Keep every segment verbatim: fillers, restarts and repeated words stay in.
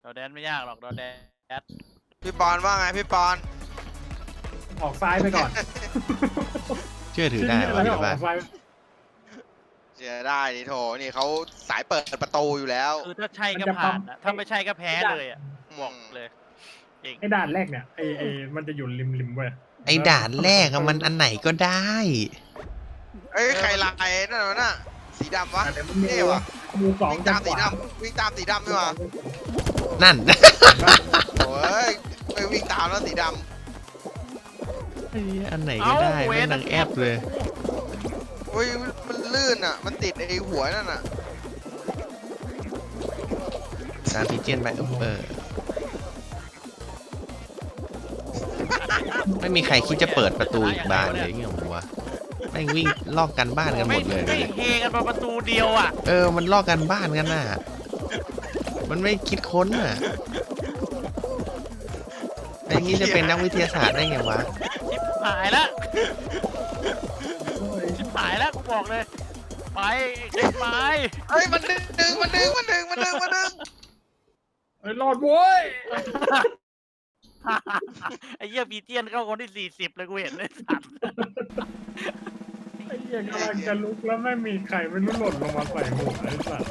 ดอแดนไม่ยากหรอกดอแดนพี่ปอนว่าไงพี่ปอนออกซ้ายไปก่อนเชื่อถือได้ที่วะนี่เดี๋อยวอกบ้านซ้ายเชื่อได้นี่โถนี่เขาสายเปิดประตูอยู่แล้วคือถ้าใช่ก็ผ่านนะถ้าไม่ใช่ก็แพ้เลยอ่ะบอกเลยจริงไอ้ด่านแรกเนี่ยไอ้ไอ้มันจะอยู่ริมริมเว้ยไอ้ด่านแรกอะมันอันไหนก็ได้เอ้ยใครลายนั่นวะน่ะสีดำวะแต่มันมีเท่ว่ะมูสองวิ่งจัตาง มขสีวาดำวิ่งตามสีดำด้วยวะนั่นโอ้ยไม่วิ่งตามแล้วสีดไอ้อันไหนก็ได้ไม่นังแอบเลยำโอ้ยมันลื่นอ่ะมันติดไอ้หัวนั่นอ่ะตามพีเจนไปเออไม่มีใครคิดจะเปิดประตูอีกบานเลยเงี้ยผมว่าแม่งวิ่งลอกกันบ้านกันหมดเลยไม่เฮกันมาประตูเดียวอ่ะเออมันลอกกันบ้านกันน่ะมันไม่คิดค้นอ่ะไอ้งี้จะเป็นนักวิทยาศาสตร์ได้ไงวะชิบหายแล้วชิบหายแล้วกูบอกเลยไปขึ้นไปเฮ้ยมันดึงมันดึงมันดึงมันดึงมันดึงไอ้รอดโว้ยไอ้เหี้ยบีเจียนเข้าคนที่สี่สิบเลยกูเห็นเลยสัตว์ไอ้เหี้ยกำลังจะลุกแล้วไม่มีใครไม่รู้หล่นลงมาใส่หัวไอ้สัตว์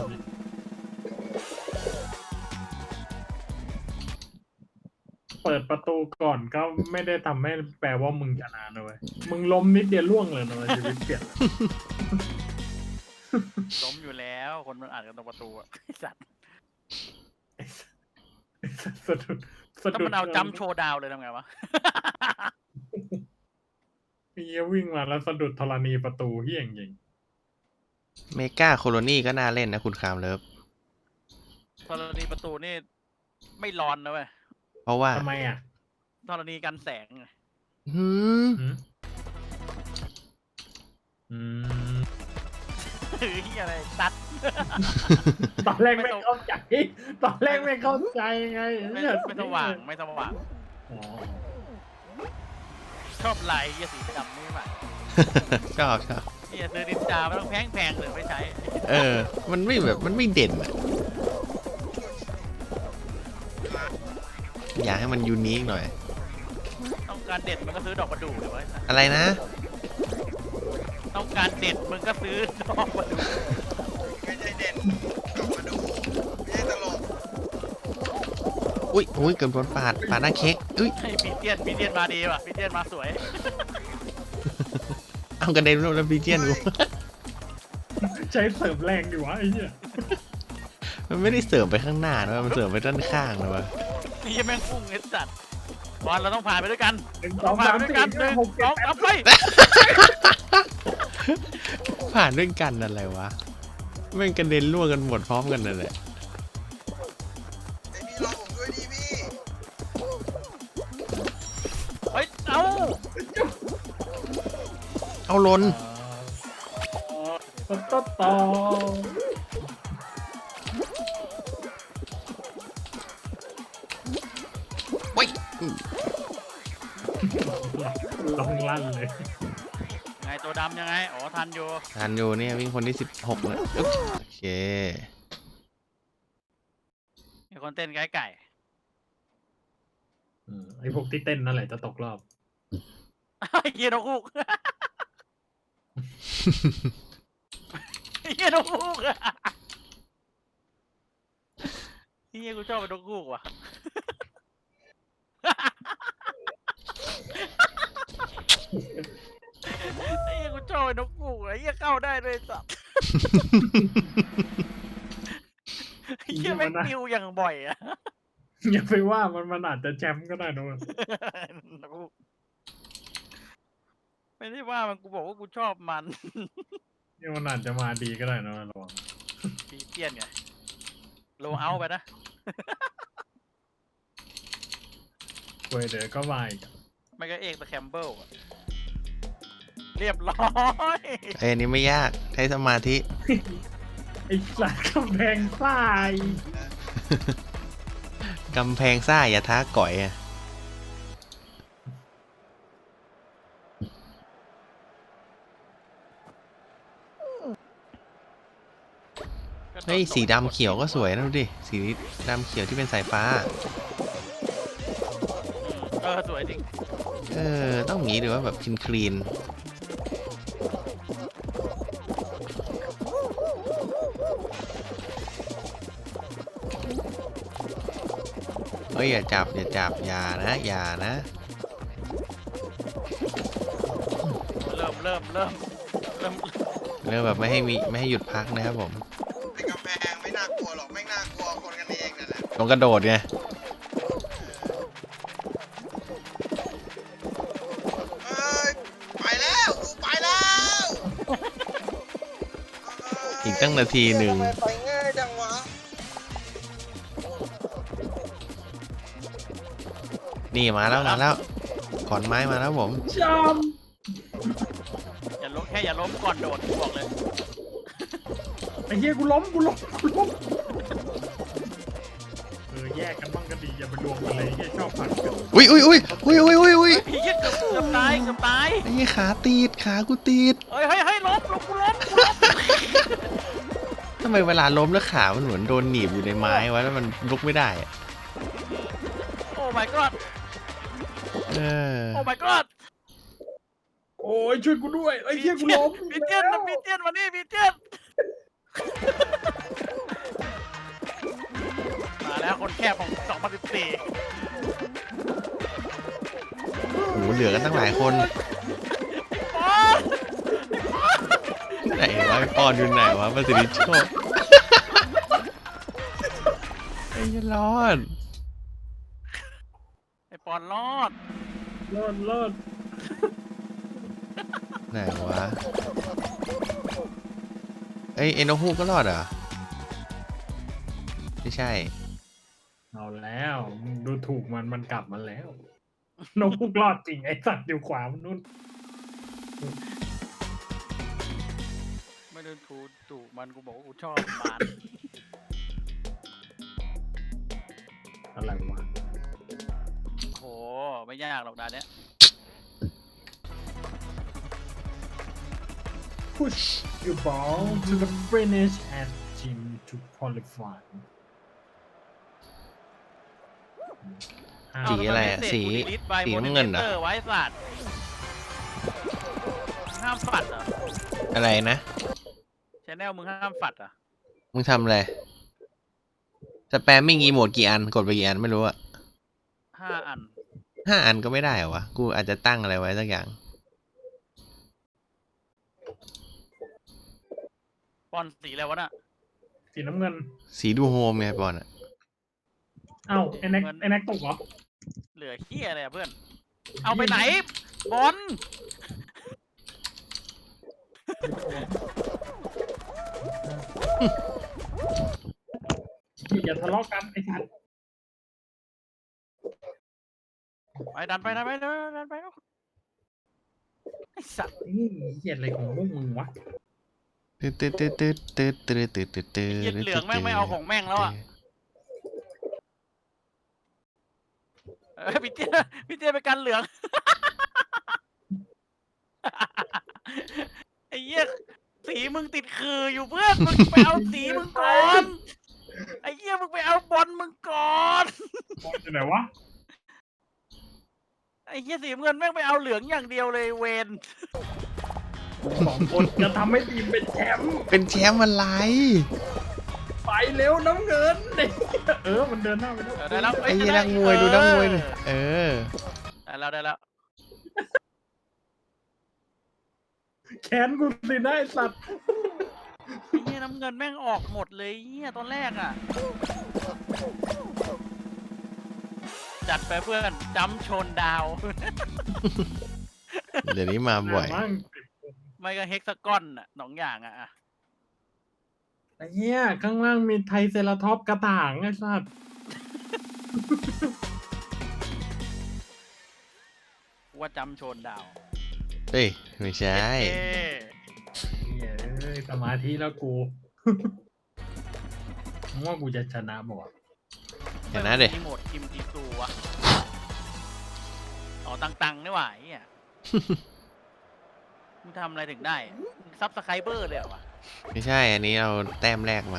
เปิดประตูก่อนก็ไม่ได้ทำให้แปลว่ามึงชนะนะเว้ยมึงล้มนิดเดียวล่วงเลยนะเว้ยชีวิตเปลี่ยนล้มอยู่แล้วคนมันอ่านกันตรงประตูอะไอ้สัตว์สะดุดสะถ้าดุดมันเอาจัมป์โชว์ดาวเลยทำไงวะเฮียวิ่งมาแล้วสะดุดธรณีประตูเฮี้ยงยิงเมกาโคโลนีก็น่าเล่นนะคุณคามเลิฟธรณีประตูนี่ไม่ร้อนนะเว้ยเพราะว่าทำไมอ่ะธรณีกันแสงไงหืมหืมอืมถือเหี้ยอะไรตัดตอนแรกไม่เข้าใจ ตอนแรกไม่เข้าใจไงไม่เนี่ยไม่สว่างไม่สว่างอ๋อชอบลายเหี้ยสีดำนี่หว่าชอบชอบเหี้ยซื้อดินจาไม่ต้องแพงแพงๆเลยไม่ใช้เออ มันไม่แบบมันไม่เด่นอะอยากให้มันยูนิคหน่อยต้องการเด็ดมันก็ซื้อดอกประดู่เลยเว้ยอะไรนะต้องการเด็ดมึงก็ซื้อดอกประดู่ไม่ใช่เด่นกลับมาดูไม่ใช่ตลกอุ้ยอุ้ยเกือบโดนปาดปาดหน้าเค้กอุ้ยให้พีเตียนพีเตียนมาดีว่ะพีเตียนมาสวยเอากระเด็นแล้วพีเจียนกูใช้เสริมแรงอยู่วะไอ้เนี่ยมันไม่ได้เสริมไปข้างหน้านะมันเสริมไปด้านข้างนะวะนี่แม่งพุ่งไอ้สัตว์บอลเราต้องผ่านไปด้วยกันหนึ่งสต้ออง งผ่านสามไปด้วยสี่กันหนึ่ห้าง หกสเจ็อดงแปดสามไปผ่านด้วยกันอะไรวะแม่งกระเด็นล่วงกันหมดพร้อมกันนั่นแหละไอ้พี่รอผมด้วยดิพี่เฮ้ยเอ้าเอาล้นต่อต่อต่อเว้ยลองลั่นเลยไงตัวดำยังไงอ๋อทันอยู่ทันอยู่เนี่ยวิ่งคนที่สิบหกนะอึ๊บโอเคมีคนเต้นไก่ไก่อืมไอ้พวกที่เต้นนั่นแหละจะตกรอบไอ้เหี้ยนกฮูกไอ้เหี้ยนกฮูกอะไอ้เหี้ยกูชอบเป็นนกฮูกว่ะไอ้เหี้ยกูชอบเป็นนกฮูกไอ้เหี้ยเข้าได้ด้วยสัตว์ไอ้เหี้ยแม่งปิวอย่างบ่อยอะอย่าไปว่ามันมันอาจจะแชมป์ก็ได้นะเว้ยนกฮูกไม่ได้ว่ามันกูบอกว่ากูชอบมันนี่มันอาจจะมาดีก็ได้นะเว้ยระวังปีเตียนไงโลเอาไปนะเว้ยเดี๋ยวก็มาอีกอะไม่ก็เอกแต่แคมเบิลอะเรียบร้อยไอ้ยอันนี้ไม่ยากใช้สมาธิไอ้สัตว์กำแพงทรายกำแพงซ่าอย่าท้าก่อยอะเฮ้ยสีดำเขียวก็สวยนะดูดิสีดำเขียวที่เป็นสายฟ้าเออสวยจริงเออต้องอย่างนี้ดูว่าแบบคลีนคลีนเฮ้ยอย่าจับอย่าจับอย่านะอย่านะเริ่มเริ่มเริ่มเริ่มเรื่องแบบไม่ให้มีไม่ให้หยุดพักนะครับผมไอ้กำแพงไม่น่ากลัวหรอกไม่น่ากลัวคนกันเองนั่นแหละต้องกระโดดไงเอ้ยไปแล้วกูไปแล้วอีกตั้งนาทีหนึ่งทำไมไปง่ายจังวะนี่มาแล้วมาแล้วขอนไม้มาแล้วผมจามอย่าล้มแค่อย่าล้มก่อนโดดบอกเลยไอ้เหี้ยกูล้มกูล้มกูล้มเออแยกกันบ้างก็ดีอย่าไปรวมกันเลยไอ้เหี้ยชอบผัดกันอุ้ยอุ้ยอุ้ยอุ้ยอุ้ยอุ้ยอุ้ยพี่เหี้ยเกือบเกือบตายเกือบตายไอ้ยี่ขาตีดขากูตีดเฮ้ยเฮ้ยเฮ้ยล้มล้มกูล้มกูล้มทำไมเวลาล้มแล้วขามันเหมือนโดนหนีบอยู่ในไม้วะแล้วมันลุกไม่ได้อะโอ้ my god เออโอ้ my god โอ้ยช่วยกูด้วยไอ้เหี้ยกูล้มพี่เตี้ยนแล้วพี่เตี้ยนมานี่พี่เตี้ยนมาแล้วคนแคบของสองพันสิบสี่โอ้โหเหลือกันตั้งหลายคนบอลไหนวะไอ้ปอนอยู่ไหนวะประสิทธิโชคไอ้ยรอดไอปอนรอดรอดรอดไหนวะเอ้ยเอ็นโนฮูกก็รอดเหรอไม่ใช่เอาแล้วมึงดูถูกมันมันกลับมาแล้วนกพุกรอดจริงไอ้สัตว์อยู่ขวามันนู่นไม่เดินถูถูมันกูบอกว่ากูชอบมันอะไรวะโหไม่ยากหรอกดานเนี้ย push your ball to the finish and team to qualify สีอะไรอะสีสีน้ำเงินเหรอไว้สัตว์ห้ามฝัดเหรออะไรนะชแนลมึงห้ามฝัดเหรอ่ะมึงทำอะไรสแปมมิ่งอีโมดกี่อันกดไปกี่อันไม่รู้อะห้าอันห้าอันก็ไม่ได้เหรอวะกูอาจจะตั้งอะไรไว้สักอย่างปอนสีอะไรวะน่ะสีน้ำเงินสีดูโฮมไงบอลอะเอ้าไอ้แน็กไอ้แน็กตกเหรอเหลือเฮียอะไรอะเพื่อน เอาไปไหนบอลอย่าทะเลาะกันไอ้สัตว์ไปดันไปดันไปดันไปดันไปแล้วไอสัตว์นี่เหี้ยอะไรของพวกมึงวะตืดตืดตืดตืดตืดตืดตืดตืดตืดเหี้ยเหลืองแม่งไม่เอาของแม่งแล้วอ่ะเอ้ยพี่เตี้ยพี่เตี้ยไปกันเหลือง ไอ้เหี้ยสีมึงติดคืออยู่เพื่อนมึงไปเอาสีมึงก่อนไอ้เหี้ยมึงไปเอาบอลมึงก่อนบอลอยู่ไหนวะไอ้เหี้ยสีเงินแม่งไปเอาเหลืองอย่างเดียวเลยเวนสองคนจะทำให้ทีมเป็นแชมป์เป็นแชมป์อะไรไปเร็วน้ำเงินเออมันเดินหน้าไปแล้วเออได้แล้วไอ้ยี่นักมวยดูนักมวยดิเออได้แล้วได้แล้วแขนกูสินะไอ้สัตว์ไอ้เหี้ยน้ำเงินแม่งออกหมดเลยเหี้ยตอนแรกอ่ะจัดไปเพื่อนจำชนดาวเดี๋ยวนี้มาบ่อยมั่งไม่ก็เฮกซากอนอ่ะสองอย่างอ่ะอะไอ้เหี้ยข้างล่างมีไทรเซราท็อปส์กระต่างไอ้สัตว์ว่าจำชนดาวเฮ้ยไม่ใช่เอ๊ะเหี้ยเอ้ยสมาธิแล้วกู มึงว่ากูจะชนะบ่เห็นนะเด็กมีโหมดคิมจีซูวะอ๋อตังๆนี่หว่าไอ้เหี้ย มึงทำอะไรถึงได้ซับสไครเบอร์เลยเหรอวะไม่ใช่อันนี้เอาแต้มแรกมา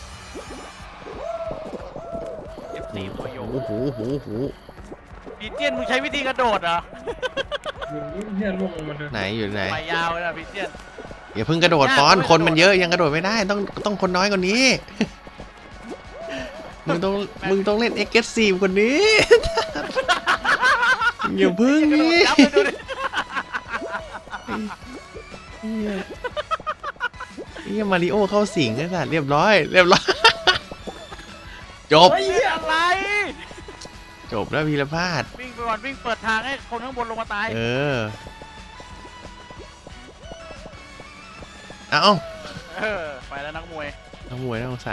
นี่ตัวโยโอ้โหโอ้โหโอ้โหพีเจียนมึงใช้วิธีกระโดดเหรอมึงเนี่ยล่วงลงมาเลยไหนอยู่ไหนไปยาวเลยนะพีเจียนอย่าเพิ่งกระโดดยากปอนด้วยคนมันกระโดดเยอะยังกระโดดไม่ได้ต้องต้องคนน้อยกว่านี้ มึงต้องมึงต้องเล่นเอ็กซ์ซีฟกว่านี้ อย่าเพึ่งกระโดนี่ดยับไปดูดิเหี้ยเฮียมาริโอเข้าสิงแล้วสัตว์เรียบร้อยเรียบร้อย จบเฮ้ยอะไรจบแล้วพีรพาดวิ่งไปก่อนวิ่งเปิดทางให้คนข้างบนลงมาตายเออ เอาเออไปแล้วนักมวยนักมวยน่าสงสาร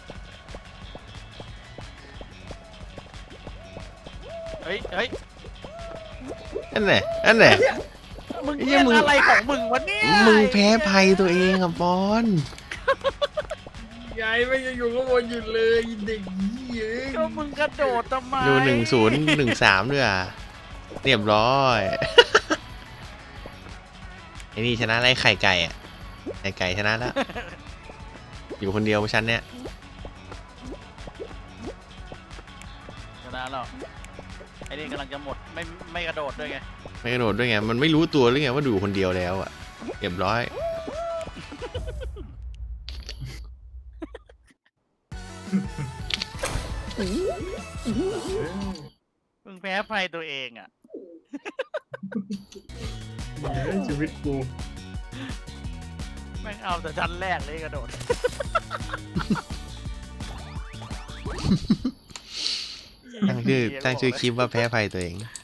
เฮ้ยเฮ้ยนั่นแหละนั่นแหละมึงเหี้เล่ยนมึงอะไรของมึงวะเนี่ยมึงแพ้ภัยตัวเองอะปอนยายไม่ยังอยู่ข้างบนอยู่เลยเด็กเย้ยก็มึงกระโดดทำไมดูหนึ่งศูนย์หนึ่งสามด้วยอ่ะเรียบร้อย ไอ้นี่ชนะไล่ไข่ไก่อ่ะไข่ไก่ชนะแล้ว อยู่คนเดียวฉันเนี่ยชนะแล้วไอ้นี่กำลังจะหมดไม่ไม่กระโดดด้วยไงไม่กระโดดด้วยไงมันไม่รู้ตัวหรือไงว่าดูคนเดียวแล้วอ่ะเรียบร้อยมึงแพ้ภัยตัวเองอ่ะเย้ยชีวิตกูแม่งเอาแต่ชั้นแรกเลยกระโดดตั้งชื่อตั้งชื่อคลิปว่าแพ้ภัยตัวเองเ